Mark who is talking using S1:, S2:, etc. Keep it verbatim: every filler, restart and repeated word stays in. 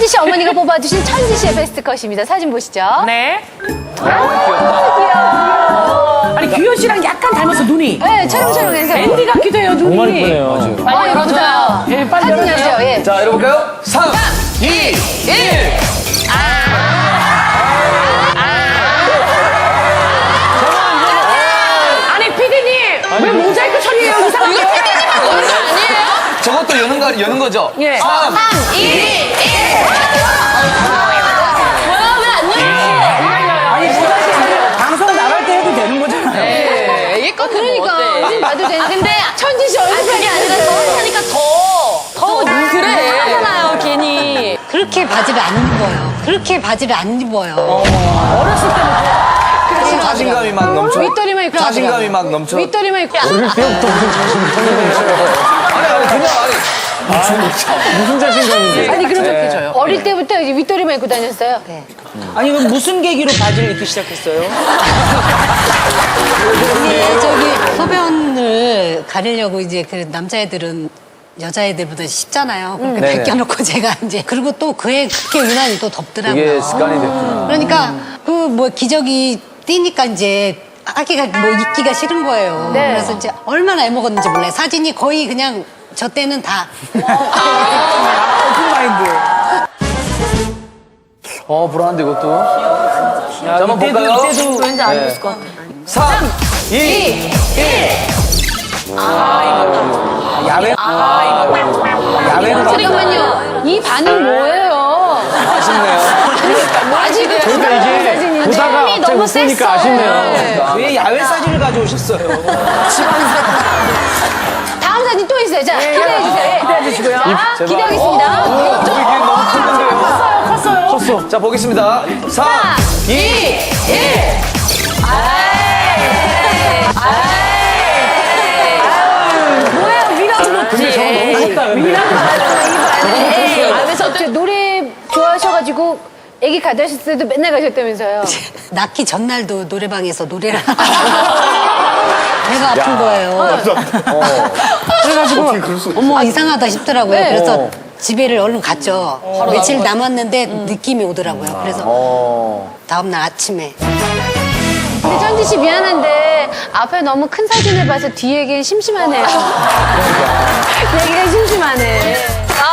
S1: 천지 씨 어머니가 뽑아주신 천지 씨의 베스트 컷입니다. 사진 보시죠.
S2: 네.
S1: 귀여워.
S2: 아니 규현 씨랑 약간 닮았어 눈이.
S1: 네, 촬영촬영해서.
S2: 앤디 같기도 해요 눈이.
S3: 정말 이쁘네요.
S1: 아, 예쁘다.
S2: 예, 빨리
S1: 사진
S2: 열어주세요.
S1: 열죠, 예.
S4: 자, 열어볼까요? 삼, 이, 일.
S2: 아니 피디님 왜 모자이크 처리해요 이상하게.
S4: 저것도 여는 거, 여는 거죠?
S2: 예.
S4: 삼,
S1: 이, 일.
S2: 아니 모자이크 방송 나갈 때 해도 되는 거잖아요.
S1: 애기 거 그러니까. 사진 봐도 되는데. 근데 천지 씨 얼굴
S5: 그게 아니라 더 하니까 더. 더 그래. 하잖아요, 괜히.
S6: 그렇게 바지를 안 입어요. 그렇게 바지를 안 입어요.
S2: 어렸을 때부터.
S4: 자신감이 막 넘쳐.
S1: 윗도리만 입고.
S4: 자신감이 막 넘쳐.
S1: 윗도리만 입고.
S3: 어릴 때부터 무슨 자신감이 넘쳐요.
S4: 아니, 아니, 그냥, 아니.
S3: 무슨 자신감인지.
S2: 아니 그렇게 해줘요.
S1: 어릴 때부터 이제 윗도리만 입고 다녔어요.
S6: 네.
S7: 아니 그럼 무슨 계기로 바지를 입기 시작했어요?
S6: 근데 저기 소변을 가리려고 이제 그 남자애들은 여자애들보다 쉽잖아요. 그렇게
S4: 네네.
S6: 벗겨놓고 제가 이제 그리고 또 그에 그게 유난히 또 덥더라고요.
S4: 이게 습관이 됐구나.
S6: 그러니까 그 뭐 기저귀 뛰니까 이제 하기가 뭐 입기가 싫은 거예요.
S1: 네.
S6: 그래서 이제 얼마나 애먹었는지 몰라요. 사진이 거의 그냥 저 때는 다
S7: 오픈마인드.
S4: 어, 불안한데, 이것도. 자, 한번 볼까요?
S7: 이때도
S5: 왠지 안 입을 것 같아.
S4: 삼, 이, 일.
S7: 야외. 야외로 가.
S1: 잠깐만요. 이 반응 뭐예요?
S4: 아쉽네요.
S1: 아직
S3: 그러니까 이게 보다가
S1: 이
S3: 갑자기
S1: 너무
S3: 웃으니까
S1: 셌어.
S3: 아쉽네요.
S7: 왜 야외 사진을 가져오셨어요?
S1: 다음 사진 또 있어요. 자, 기대해 주세요.
S2: 기대해 주시고요.
S1: 자, 기대하겠습니다.
S4: 이게 너무 컸는데요.
S2: 컸어요, 컸어요.
S4: 자, 보겠습니다. 삼, 이, 일.
S1: 뭐예요? 미라도
S3: 근데 저거 너무 컸다, 근데.
S1: 아, 그래서 저 노래 좋아하셔가지고 애기 가다셨을 때도 맨날 가셨다면서요.
S6: 낳기 전날도 노래방에서 노래를 배가 아픈 거예요. 그래가지고 어머 이상하다 싶더라고요.
S1: 네.
S6: 그래서 집에를 얼른 갔죠. 며칠 남았는데 느낌이 오더라고요. 그래서 다음날 아침에
S1: 근데 천지 씨 미안한데 앞에 너무 큰 사진을 봐서 뒤에 얘기는 심심하네요. 얘기가 심심하네.